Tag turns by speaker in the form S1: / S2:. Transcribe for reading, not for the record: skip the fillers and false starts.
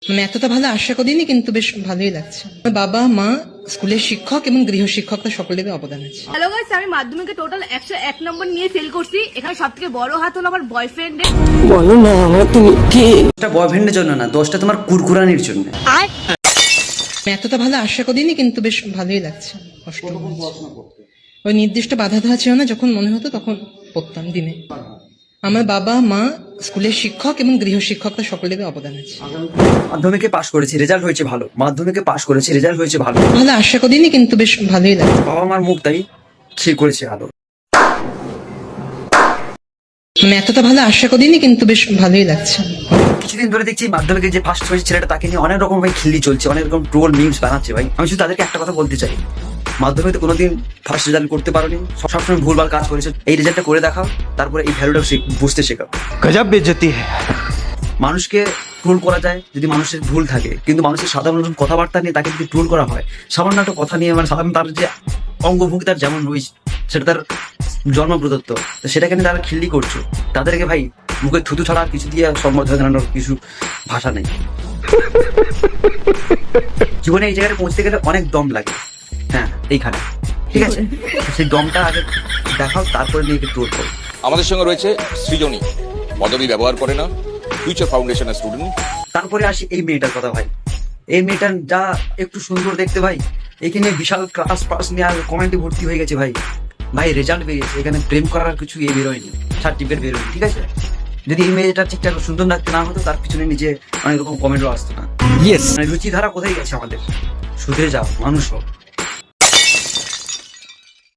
S1: মানে এতটা ভালো আশা করিনি, কিন্তু বেশ ভালোই লাগছে। বাবা মা, স্কুলের শিক্ষক এবং গৃহশিক্ষকরা সকলেরই অবদান আছে।
S2: হ্যালো গাইস, আমি মাধ্যমিকে টোটাল 101 নম্বর নিয়ে ফেল করছি। এখানে সবথেকে বড় হাত হলো আমার বয়ফ্রেন্ডের।
S3: বলো না আমার তুমি কি?
S4: দোষটা বয়ফ্রেন্ডের জন্য না, দোষটা তোমার কুরকুরানির জন্য।
S1: মানে এতটা ভালো আশা করিনি, কিন্তু বেশ ভালোই লাগছে। কষ্ট হচ্ছে। ওই নির্দিষ্ট বাধা দেওয়া ছিল না, যখন মনে হতো তখন পড়তাম দিনে। আমার বাবা মা, স্কুলের শিক্ষক এবং গৃহশিক্ষকরা সকলেরই অবদান আছে।
S4: মাধ্যমিকে পাশ করেছি, রেজাল্ট হয়েছে ভালো। মাধ্যমিকে পাশ করেছি, রেজাল্ট হয়েছে ভালো।
S1: ভালো আশা করিনি, কিন্তু বেশ ভালোই লাগছে।
S4: বাবা মার মুখ তাই সে করেছে ভালো।
S1: মানে এতটা ভালো আশা করিনি, কিন্তু বেশ ভালোই লাগছে।
S4: কিছুদিন ধরে দেখছি মাধ্যমিকে যে ফার্স্ট হয়েছে ছেলেটা, তাকে নিয়ে অনেক রকম ভাই খিল্লি চলছে, অনেক রকম ট্রোল মিমস বানাচ্ছে ভাই। আমি শুধু তাদেরকে একটা কথা বলতে চাই, মাধ্যমিকে কোনোদিন ফার্স্ট রেজাল্ট করতে পারোনি, সবসময় ভুলভাল কাজ করেছো। এই রেজাল্টটা করে দেখাও, তারপরে এই ভ্যালুটা বুঝতে শেখাও।
S5: गजब बेइज्जती है।
S4: মানুষকে ট্রোল করা যায় যদি মানুষের ভুল থাকে, কিন্তু মানুষের সাধারণ কথাবার্তা নিয়ে তাকে যদি ট্রোল করা হয়, সামান্য একটা কথা নিয়ে, মানে সাধারণ তার যে অঙ্গভঙ্গি তার যেমন রয়েছে, সেটা তার জন্ম প্রদত্ত, তো সেটাকে নিয়ে তারা খিল্লি করছো। তাদেরকে ভাই মুখে থুতু ছাড়া আর কিছু দিয়ে সম্বোধন জানানোর কিছু ভাষা নেই। জীবনে এই জায়গায় পৌঁছতে গেলে অনেক দম লাগে। হ্যাঁ, এইখানে ঠিক আছে, সেই দমটা আগে দেখাও, তারপরে নিয়ে ট্রোল করো।
S6: আমাদের সঙ্গে রয়েছে সৃজনী, পদবি ব্যবহার করে না, ফিউচার ফাউন্ডেশনের স্টুডেন্ট।
S4: তারপরে আসি এই মেয়েটার কথা ভাই। এই মেয়েটার যা একটু সুন্দর দেখতে ভাই, এখানে বিশাল ক্লাস পাস নিয়ে আর কমেন্টে ভর্তি হয়ে গেছে ভাই। ভাই রেজাল্ট বেরিয়েছে, এখানে প্রেম করার কিছু বেরোয়নি, সার্টিফিকেট বেরোয়নি, ঠিক আছে। যদি এই মেয়েটা ঠিকঠাক সুন্দর লাগতে না হতো, তার পিছনে নিজে অনেক রকম কমেন্টও আসতো না।
S5: यस
S4: মানে রুচিধারা কোথায় গেছে আমাদের? শুধরে যাও, মানুষ হোক।